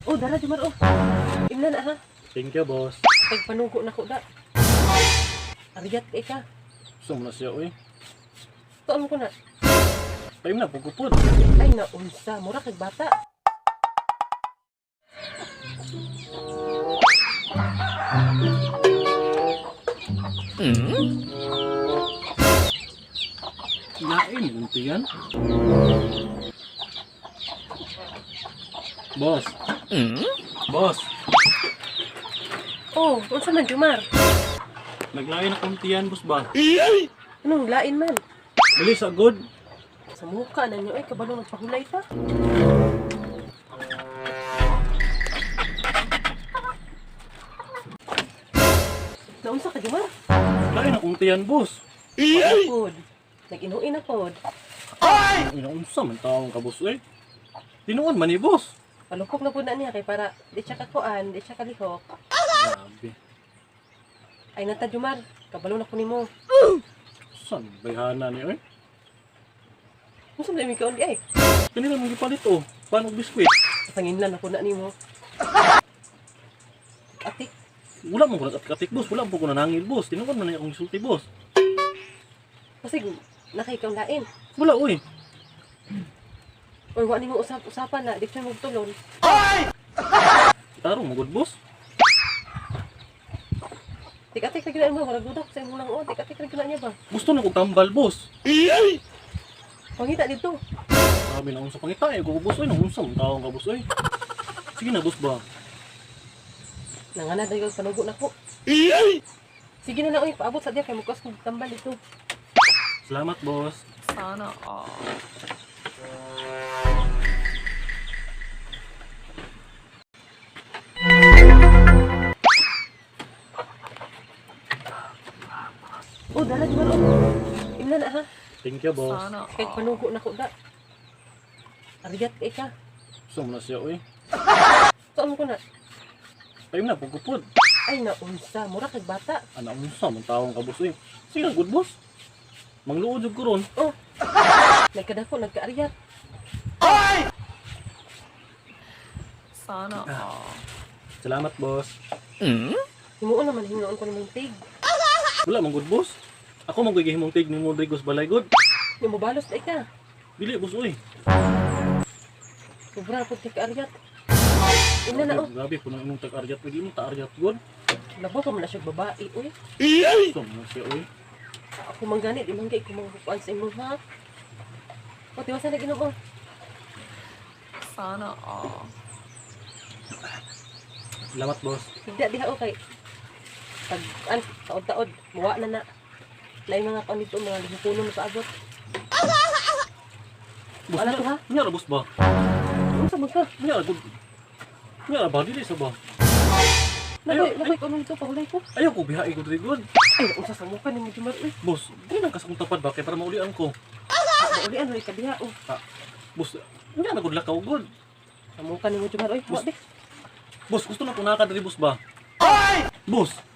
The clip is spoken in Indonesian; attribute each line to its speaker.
Speaker 1: Oh, dara Jumar oh. Imna na ha.
Speaker 2: Thank you, boss.
Speaker 1: Kay panugo na ko da. Ariyat kay ka.
Speaker 2: Gusto mo na siya, uy.
Speaker 1: Tuon ko na.
Speaker 2: Tayo na, pagkupod.
Speaker 1: Ay naunsa, mura kay bata.
Speaker 2: Lain, unti yan. Boss. Boss,
Speaker 1: Oh, unsa man Jumar?
Speaker 2: naglain na kunti yan, boss ba?
Speaker 1: Anong lain man?
Speaker 2: Dali sa good.
Speaker 1: Sa mukha na niyo ay kabalo nagpahulay pa. Naunsa ka Jumar?
Speaker 2: Lain na kunti yan, boss.
Speaker 1: Pod. Nag-inuin na pod.
Speaker 2: Ang inaunsa man tawang ka, boss, eh. Tinuon man ni boss.
Speaker 1: Palukok na po na niya kay para di siya kakuan, di siya kalihok.
Speaker 2: Grabe.
Speaker 1: Ay nata Jumar, kabalo na ko nimo.
Speaker 2: Saan bayhana ni, eh?
Speaker 1: Unsa man mi kaon di ay?
Speaker 2: Kanila mong gipalit, oh. Paano biskwit?
Speaker 1: Kasanginlan ako na nimo. Atik,
Speaker 2: Wala mong kulat at katik, boss. Wala mo ko nanangil, boss. Tinuon man na akong isulti, boss.
Speaker 1: kasi nakaikaw lain.
Speaker 2: Wala, uy.
Speaker 1: Or wa nimo usapan na, di siya magtulon.
Speaker 2: Tarong mo, good, boss.
Speaker 1: Tik-atik na ginaan mo, wala dudak sa imong lang o. Tik-atik na ginaan niya ba?
Speaker 2: Gusto na ko tambal, boss.
Speaker 1: Pangita dito.
Speaker 2: Sabi na unsa pangita, eh. Ko, boss, uy. Naunsa mong tawang ka, boss, uy. Sige na, boss ba?
Speaker 1: Nangana dahil panugo na ko. Sige na lang, uy, paabot sa diya kay mukas kong tambal dito.
Speaker 2: Salamat, boss.
Speaker 3: Sana all.
Speaker 1: Oh, dala Jumar oh. Imna na ha.
Speaker 2: Thank you, boss.
Speaker 3: Sana
Speaker 1: Kay
Speaker 3: all.
Speaker 1: panugo na ko da. Ariyat kay ka.
Speaker 2: Gusto mo na siya, uy.
Speaker 1: Tuon ko na.
Speaker 2: Tayo na, pagkupod.
Speaker 1: Ay naunsa, mura kay bata.
Speaker 2: Ana, unsa mong tawang ka, boss, uy. Sige na, good, boss. Mangluod yung kuron.
Speaker 1: Oh. Nagkadako, nagkaariyat.
Speaker 3: Sana all.
Speaker 2: Salamat, boss.
Speaker 1: Himuon naman hinuon ko nimong tig.
Speaker 2: Wala, mong good, boss. Ako magiging tig ni Rodriguez Balay, good.
Speaker 1: Di mo balos na ka.
Speaker 2: Dili, boss, uy.
Speaker 1: Sobra po kay kaariyat. Imna na oh.
Speaker 2: Grabe, punang imong tag-aryat. Pwede mo ta-aryat, good.
Speaker 1: Labo ka man na siya babae, uy.
Speaker 2: Gusto mo na siya, uy.
Speaker 1: Ako manggani, di manggay ko mga sa imo ha. O, tiwasan na ginoo.
Speaker 3: Sana all.
Speaker 2: Salamat, boss.
Speaker 1: Higda diha o kay pag taod-taod, muwa na na. Lain mga kaon dito, mga lihupuno na paabot.
Speaker 2: Boss,
Speaker 1: Wala to, ha?
Speaker 2: Nyara, boss ba?
Speaker 1: Ano sa mga?
Speaker 2: Nyara, good. Nyara ba? Dili sa ba?
Speaker 1: Nakoy ko nung ito, pahulay ko.
Speaker 2: Ayaw ko bihain ko, Rodriguez.
Speaker 1: Ay, unsa sa mukha ni mo Jumar, uy.
Speaker 2: Boss, di lang kasakong tapad ba? Kaya para maulian ko.
Speaker 1: Mauli ano, ikabiha, oh.
Speaker 2: Boss, nyara, good lakaw, good.
Speaker 1: Sa mukha ni mo Jumar, uy. Wa, be.
Speaker 2: Boss, gusto na ko nakadali, boss ba? Boss!